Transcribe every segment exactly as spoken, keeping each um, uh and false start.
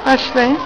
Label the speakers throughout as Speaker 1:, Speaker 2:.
Speaker 1: Başlayın.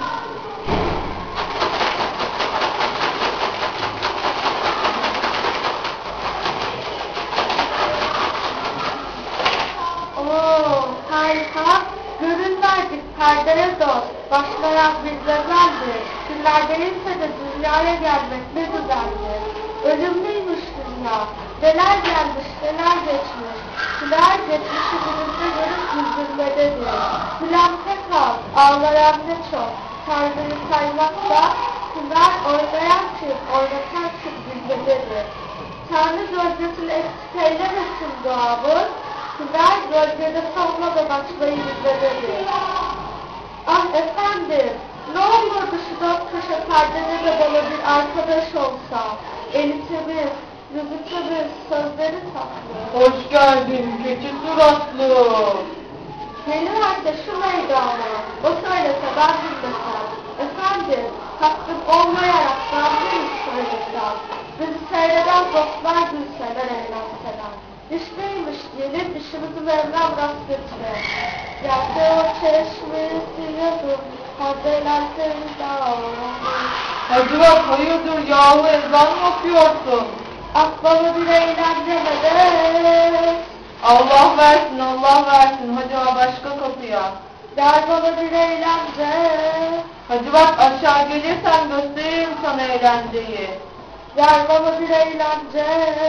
Speaker 2: Oo, harika. Görünmezlik perdere dost. Başlayan bir gazeldi. Günlerdeyse de dünyaya gelmek ne güzeldi. Ölümlüymüş dünya. Neler gelmiş, neler geçmiş. Neler geçmişi günümüzde görüp güldürmededir. Gülen pek az, ağlayan ne çok. Tanrı'yı saymakta, güler oynayan kim, oynatan kim bilmededir. Tanrı gölgesini eksik eylemesin doğamız. Güler gölgede savunmadan açmayı bilmededir. Ah efendim, ne olurdu şu dört köşe perdede de bana bir arkadaş olsa. Eli temiz, yüzü temiz, sözleri tatlı.
Speaker 3: Hoş geldin keçi suratlı.
Speaker 2: Geliver de şu meydana, o söylese ben bilmesem. Efendim, hakkım olmayarak ben mi söylesem? Bizi seyreden dostlar gülseler eğlenseler. Dişliymiş diyelim, dişimizi Mevlam rast getire. Yerde o çeşmesi yazım, haberlerseniz dağılır.
Speaker 3: Hacı bak hayırdır yahu ezan mı okuyorsun?
Speaker 2: Akbaba bir eğlencemedir.
Speaker 3: Allah versin Allah versin hacı bak başka kapıya.
Speaker 2: Gel bana bir eğlence.
Speaker 3: Hacı bak aşağı gelirsen gösteririm sana eğlenceyi.
Speaker 2: Gel bana bir eğlence.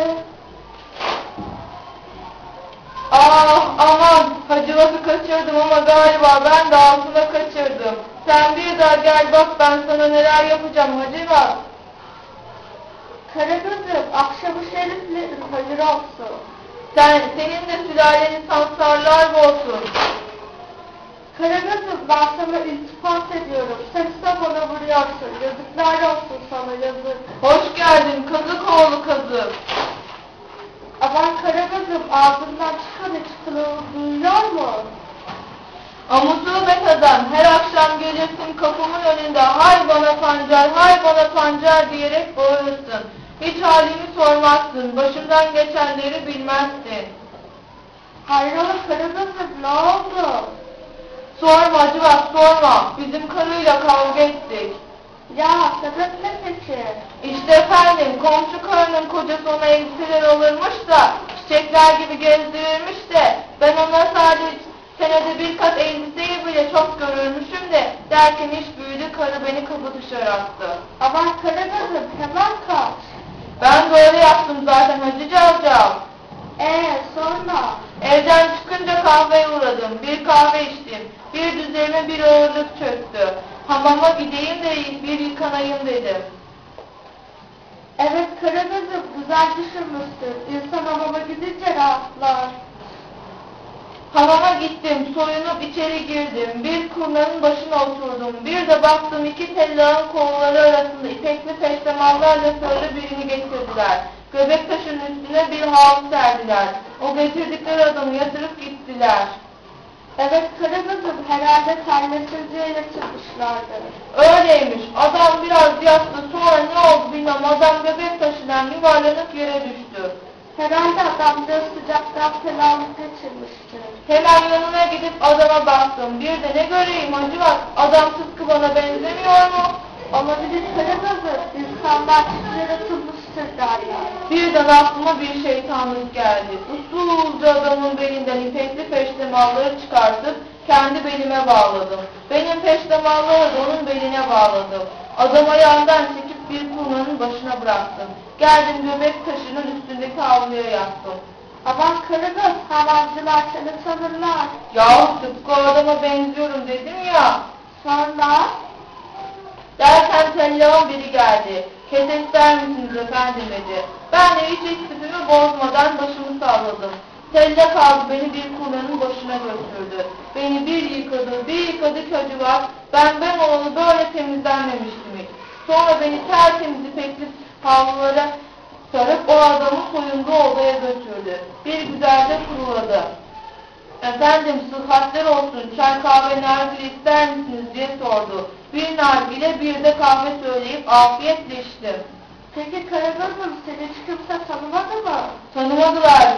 Speaker 3: Ah aman hacı bakı kaçırdım ama galiba ben de altına kaçırdım. Sen bir daha gel bak ben sana neler yapacağım hacı bak.
Speaker 2: Karagöz'üm, akşamı şeriflerin hayır olsun.
Speaker 3: Sen, senin de sülaleni sansarlar olsun.
Speaker 2: Karagöz'üm, ben sana iltifat ediyorum. Sen ise bana vuruyorsun. Yazıklar olsun sana, yazık.
Speaker 3: Hoş geldin kazık oğlu kazık.
Speaker 2: Aman Karagöz'üm, ağzından çıkan hiç kılığını duyuyor mu?
Speaker 3: Amusubet adam, her akşam gelirsin kapımın önünde hay bana pancar, hay bana pancar diyerek bağırırsın. Hiç halimi sormazsın, başımdan geçenleri bilmezsin.
Speaker 2: Hayrola Karagöz'üm, ne oldu?
Speaker 3: Sorma Acıvat sorma, bizim karıyla kavga ettik.
Speaker 2: Ya sebep ne peki?
Speaker 3: İşte efendim, komşu karının kocası ona elbiseler alırmış da, çiçekler gibi gezdirirmiş de, ben ona sadece senede bir kat elbiseyi bile çok görürmüşüm de, derken iş büyüdü, karı beni kapı dışarı attı.
Speaker 2: Aman Karagöz'üm, hemen kaç.
Speaker 3: Ben de öyle yaptım zaten Hacı Cavcav.
Speaker 2: Eee sonra?
Speaker 3: Evden çıkınca kahveye uğradım, bir kahve içtim, bir düzeyime bir ağırlık çöktü. Hamama gideyim de bir yıkanayım dedim.
Speaker 2: Evet Karagöz'üm, güzel düşünmüşsün. İnsan hamama gidince rahatlar.
Speaker 3: Hamama gittim, soyunup içeri girdim, bir kurnanın başına oturdum, bir de baktım iki tellağın kolları arasında ipekli peştemallarla sarılı birini getirdiler. Göbek taşının üstüne bir havlu serdiler. O getirdikleri adamı yatırıp gittiler.
Speaker 2: Evet Karagöz'üm, herhalde terlesizliğiyle çıkmışlardı.
Speaker 3: Öyleymiş, adam biraz yattı, sonra ne oldu bilmem, adam göbek taşından yuvarlanıp yere düştü.
Speaker 2: Herhalde adamcağız sıcaktan fenalık kaçırmıştı.
Speaker 3: Hemen yanına gidip adama baktım, bir de ne göreyim Hacivat, adam tıpkı bana benzemiyor mu?
Speaker 2: Olabilir Karagöz'üm, insanlar çift yaratılmıştır derler.
Speaker 3: Birden aklıma bir şeytanlık geldi. Usulca adamın belinden ipekli peştemalları çıkartıp kendi belime bağladım. Benim peştemalları da onun beline bağladım. Adam ayağından çekip bir kurnanın başına bıraktım. Geldim göbek taşının üstündeki havluya yattım.
Speaker 2: Aman Karagöz, havancılar seni tanırlar.
Speaker 3: Yahu tıpkı o adama benziyorum dedim ya.
Speaker 2: Sonra?
Speaker 3: Derken tellağın biri geldi. Kese ister misiniz efendim dedi. Ben de hiç istifimi bozmadan başımı salladım. Tellak aldı beni bir kurnanın başına götürdü. Beni bir yıkadı, bir yıkadı ki acı var. Ben ben olalı böyle temizlenmemiştim hiç. Sonra beni tertemiz ipekli havlulara sarıp o adamı soyunduğu odaya götürdü. Bir güzelce kuruladı. Efendim sıhhatler olsun, çay kahve nargile ister misiniz diye sordu. Bir nargile bir de kahve söyleyip afiyetle içtim.
Speaker 2: Peki Karagöz'üm, seni hiç kimse tanımadı mı?
Speaker 3: Tanımadılar.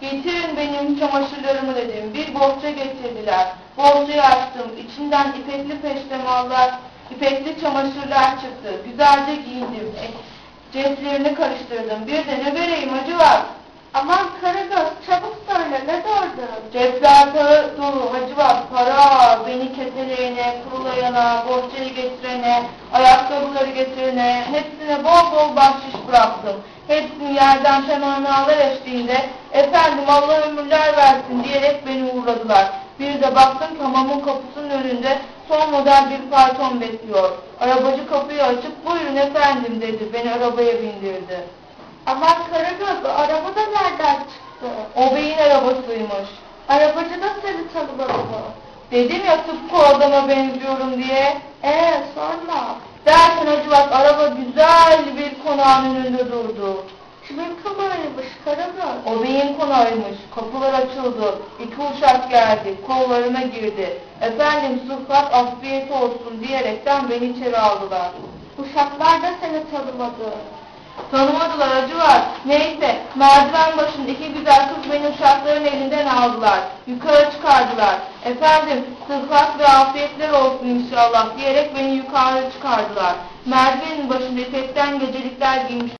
Speaker 3: Getirin benim çamaşırlarımı dedim. Bir bohça getirdiler. Bohçayı açtım. İçinden ipekli peştemallar, ipekli çamaşırlar çıktı. Güzelce giyindim. E, ceplerini karıştırdım. Bir de ne vereyim acı var.
Speaker 2: Aman Karagöz, çabuk söyle, ne doğurdun?
Speaker 3: Cepler para dolu hacı var. Para beni keseleyene, kurulayana, bohçayı getirene, ayakkabıları getirene, hepsine bol bol bahşiş bıraktım. Hepsini yerden temennalar eşliğinde, efendim Allah ömürler versin diyerek beni uğurladılar. Bir de baktım ki hamamın kapısının önünde son model bir fayton bekliyor. Arabacı kapıyı açıp buyurun efendim dedi, beni arabaya bindirdi.
Speaker 2: Aman Karagöz, araba da nereden çıktı?
Speaker 3: O beyin arabasıymış.
Speaker 2: Arabacı da seni tanımadı mı?
Speaker 3: Dedim ya tıpkı o adama benziyorum diye.
Speaker 2: Ee sonra?
Speaker 3: Derken hacı bak araba güzel bir konağın önünde durdu.
Speaker 2: Kimin kameraymış Karagöz?
Speaker 3: O beyin konağıymış. Kapılar açıldı. İki uşak geldi. Kollarıma girdi. Efendim sıhhat afiyet olsun diyerekten beni içeri aldılar.
Speaker 2: Uşaklar da seni tanımadı.
Speaker 3: Tanımadılar acı var. Neyse merdiven başında iki güzel kız beni uşakların elinden aldılar. Yukarı çıkardılar. Efendim sıhhat ve afiyetler olsun inşallah diyerek beni yukarı çıkardılar. Merdivenin başında ipekten gecelikler giymiş